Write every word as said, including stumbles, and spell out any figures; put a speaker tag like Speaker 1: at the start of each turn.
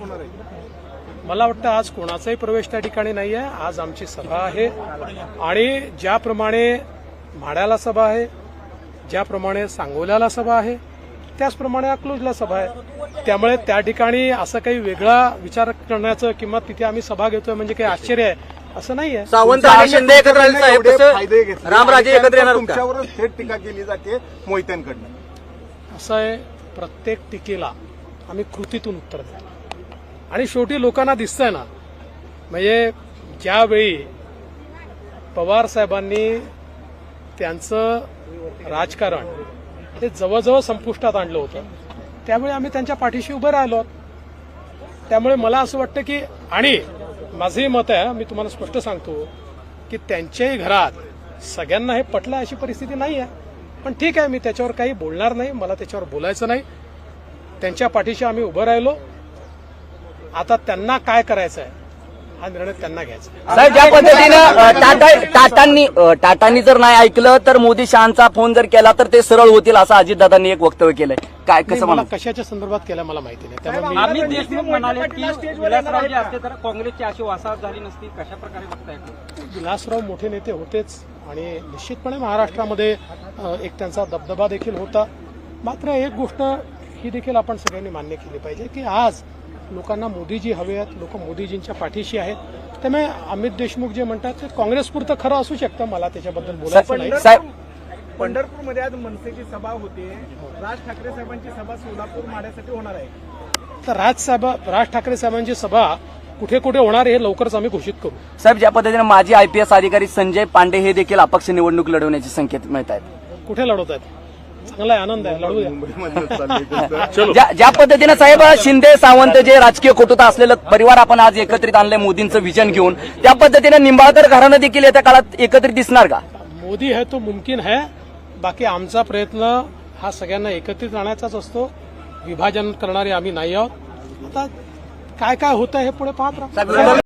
Speaker 1: होणार आहे?
Speaker 2: मला वाटतं आज कोणाचाही प्रवेश त्या ठिकाणी नाही आहे. आज आमची सभा आहे आणि ज्याप्रमाणे म्हाड्याला सभा आहे, ज्याप्रमाणे सांगोल्याला सभा आहे, त्याचप्रमाणे अकलूजला सभा आहे. त्यामुळे त्या ठिकाणी असं काही वेगळा विचार करण्याचं किंवा तिथे आम्ही सभा घेतोय म्हणजे काही आश्चर्य आहे असं नाहीये.
Speaker 3: सावंत आणि शिंदे एकत्र आले साहेब,
Speaker 1: फायदे घेतले,
Speaker 3: रामराजे एकत्र येणार का?
Speaker 1: तुमच्यावरच थेट टीका केली जाते मोहित्यांकडनं.
Speaker 2: असं आहे, प्रत्येक टीकेला आम्ही कृतीतून उत्तर द्यायला आणि शेवटी लोकांना दिसतंय ना, म्हणजे ज्यावेळी पवार साहेबांनी त्यांचं राजकारण हे जवळजवळ संपुष्टात आणलं होतं त्यावेळी आम्ही त्यांच्या पाठीशी उभे राहिलो. त्यामुळे मला असं वाटतं की, आणि माझंही मत आहे, मी तुम्हाला स्पष्ट सांगतो की त्यांच्याही घरात सगळ्यांना हे पटलं अशी परिस्थिती नाही आहे. पण ठीक आहे, मी त्याच्यावर काही बोलणार नाही, मला त्याच्यावर बोलायचं नाही. त्यांच्या पाठीशी आम्ही उभं राहिलो. आता त्यांना काय करायचं आहे हा निर्णय त्यांना घ्यायचा.
Speaker 3: साहेब, ज्या पद्धतीनं टाटा टाटांनी टाटांनी जर नाही ऐकलं तर मोदी शहांचा फोन जर केला तर ते सरळ होतील असं अजितदादांनी एक वक्तव्य केलंय. काय कसं
Speaker 2: मला
Speaker 3: म्हणा?
Speaker 2: कशाच्या संदर्भात केलं मला माहिती नाही. त्यामुळे मी
Speaker 4: अमित देशमुख म्हणाले की विलासराव जे असते तर काँग्रेसची अशी वासाहत झाली नसती. कशा प्रकारे बघताय?
Speaker 2: विलासराव मोठे नेते होतेच आणि निश्चितपणे महाराष्ट्रामध्ये एक त्यांचा दबदबा देखील होता. मात्र एक गोष्ट ही देखील आपण सगळ्यांनी मान्य केली पाहिजे की आज लोकांना मोदीजी हवे आहेत, लोक मोदीजींच्या पाठीशी आहेत. त्यामुळे अमित देशमुख जे म्हणतात ते काँग्रेसपुरतं खरं असू शकतं, मला त्याच्याबद्दल बोलायचं नाही.
Speaker 3: साहेब,
Speaker 1: पंढरपूरमध्ये आज मनसेची सभा होते, राज ठाकरे साहेबांची सभा सोलापूर माड्यासाठी होणार आहे.
Speaker 2: तर राज साहेब राज ठाकरे साहेबांची सभा कुठे कुठे होणार हे लवकरच आम्ही घोषित करू.
Speaker 3: साहेब, ज्या पद्धतीने माजी आयपीएस अधिकारी संजय पांडे हे देखील अपक्ष निवडणूक लढवण्याचे संकेत मिळत आहेत.
Speaker 2: कुठे लढवत आहेत? चांगला आहे, आनंद आहे, लढू द्या.
Speaker 3: ज्या ज्या पद्धतीने साहेब शिंदे सावंत जे राजकीय कुटुंब असलेलं परिवार आपण आज एकत्रित आणलंय मोदींचं विजन घेऊन, त्या पद्धतीने निंबाळकर घराणं देखील येत्या काळात एकत्रित दिसणार का?
Speaker 2: मोदी है तो मुमकिन है. बाकी आमचा प्रयत्न हा सगळ्यांना एकत्रित आणण्याचाच असतो. विभाजन करणारे आम्ही नाही आहोत. आता काय काय होतं हे पुढे पाहत राहा.